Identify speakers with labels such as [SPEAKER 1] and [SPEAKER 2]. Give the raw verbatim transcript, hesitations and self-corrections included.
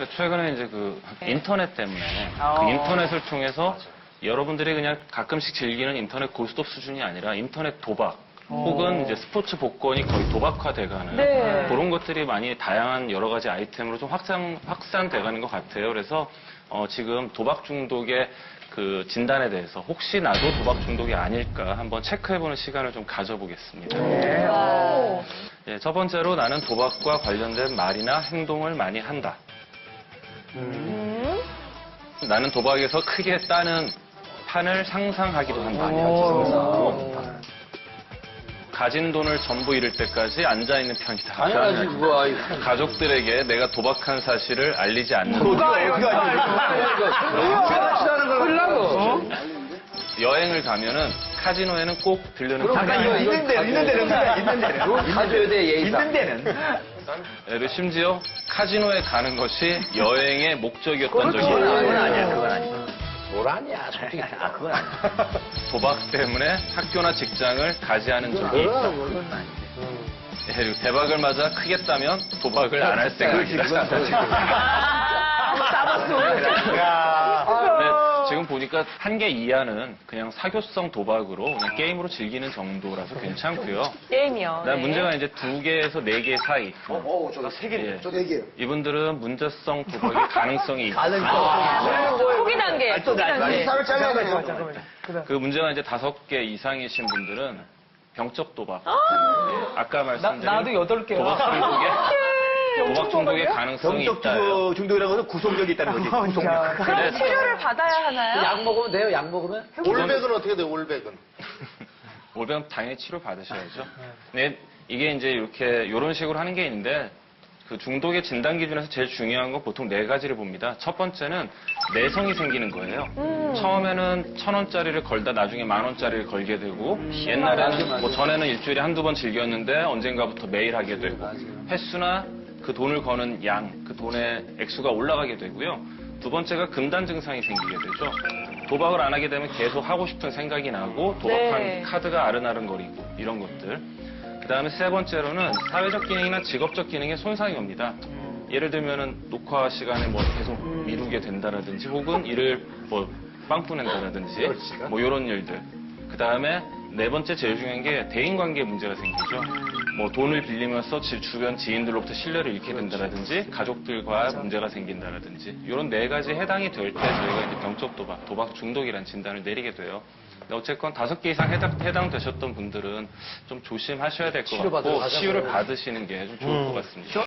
[SPEAKER 1] 최근에 이제 그 인터넷 때문에
[SPEAKER 2] 어.
[SPEAKER 1] 그 인터넷을 통해서 여러분들이 그냥 가끔씩 즐기는 인터넷 고스톱 수준이 아니라 인터넷 도박 혹은 이제 스포츠 복권이 거의 도박화돼가는
[SPEAKER 2] 네.
[SPEAKER 1] 그런 것들이 많이 다양한 여러 가지 아이템으로 좀 확산 확산돼가는 것 같아요. 그래서 어, 지금 도박 중독의 그 진단에 대해서 혹시 나도 도박 중독이 아닐까 한번 체크해보는 시간을 좀 가져보겠습니다.
[SPEAKER 2] 오.
[SPEAKER 1] 예, 첫 번째로 나는 도박과 관련된 말이나 행동을 많이 한다.
[SPEAKER 2] 음.
[SPEAKER 1] 나는 도박에서 크게 따는 판을 상상하기도 한다. 가진 돈을 전부 잃을 때까지 앉아있는 편이다.
[SPEAKER 3] 당연하지, 그거. 아이.
[SPEAKER 1] 가족들에게 내가 도박한 사실을 알리지 않는다.
[SPEAKER 3] 그거 어떻게 알지?
[SPEAKER 1] 여행을 가면은 카지노에는 꼭 들르는
[SPEAKER 3] 잠깐, 이거 있는 데는, 있는 데는, 있는 데는. 가져야 돼, 예의상. 있는 데는.
[SPEAKER 1] 그리고 심지어 카지노에 가는 것이 여행의 목적이었던 적이
[SPEAKER 3] 그건
[SPEAKER 1] 있다.
[SPEAKER 3] 아니야, 그건 아니야. 뭘 아니야, 솔직히. 아, 그건 아니야.
[SPEAKER 1] 도박 때문에 학교나 직장을 가지 않은 적이 있다.
[SPEAKER 3] 그건 아니지.
[SPEAKER 1] 예, 그리고 대박을 맞아 크게 따면 도박을 안 할 생각이다. 네, 지금 보니까 한 개 이하는 그냥 사교성 도박으로 그냥 게임으로 즐기는 정도라서 괜찮고요.
[SPEAKER 2] 게임이요.
[SPEAKER 1] 그다음
[SPEAKER 2] 네.
[SPEAKER 1] 문제가 이제 두 개에서 네 개 사이.
[SPEAKER 3] 어, 저도 세 개네요.
[SPEAKER 1] 예.
[SPEAKER 3] 저도 네 개요.
[SPEAKER 1] 이분들은 문제성 도박의 가능성이 있다.
[SPEAKER 2] 초기 단계. 초기 단계.
[SPEAKER 3] 을 잘라야
[SPEAKER 1] 그 문제가 이제 다섯 개 이상이신 분들은 병적 도박. 예, 아까 말씀드린
[SPEAKER 4] 나도 여덟 개요.
[SPEAKER 1] 도박 중독의 도박 중독의 가능성이
[SPEAKER 3] 병적
[SPEAKER 1] 있다.
[SPEAKER 3] 중- 중독이라는 것은 구속력이 있다는 거지. 구속력.
[SPEAKER 2] 그럼 치료를 받아야 하나요?
[SPEAKER 3] 약 먹으면 돼요, 약 먹으면?
[SPEAKER 5] 올백은 어떻게 돼요, 올백은?
[SPEAKER 1] 올백은 당연히 치료 받으셔야죠. 네, 이게 이제 이렇게 이런 식으로 하는 게 있는데 그 중독의 진단 기준에서 제일 중요한 건 보통 네 가지를 봅니다. 첫 번째는 내성이 생기는 거예요.
[SPEAKER 2] 음.
[SPEAKER 1] 처음에는 천 원짜리를 걸다 나중에 만 원짜리를 걸게 되고 옛날에는 뭐 전에는 일주일에 한두 번 즐겼는데 언젠가부터 매일 하게 되고 횟수나 그 돈을 거는 양, 그 돈의 액수가 올라가게 되고요. 두 번째가 금단 증상이 생기게 되죠. 도박을 안 하게 되면 계속 하고 싶은 생각이 나고 도박한
[SPEAKER 2] 네.
[SPEAKER 1] 카드가 아른아른거리고 이런 것들. 그 다음에 세 번째로는 사회적 기능이나 직업적 기능에 손상이 옵니다. 예를 들면은 녹화 시간에 뭐 계속 미루게 된다라든지 혹은 일을 뭐 빵꾸 낸다라든지 뭐 이런 일들. 그 다음에 네 번째 제일 중요한 게 대인관계 문제가 생기죠. 뭐 돈을 빌리면서 지- 주변 지인들로부터 신뢰를 잃게 된다라든지 가족들과 문제가 생긴다라든지 이런 네 가지 해당이 될 때 저희가 이제 병적 도박, 도박 중독이라는 진단을 내리게 돼요. 근데 어쨌건 다섯 개 이상 해당, 해당되셨던 분들은 좀 조심하셔야 될 것 같고 치유를 받으시는 게 좀 좋을 것 같습니다.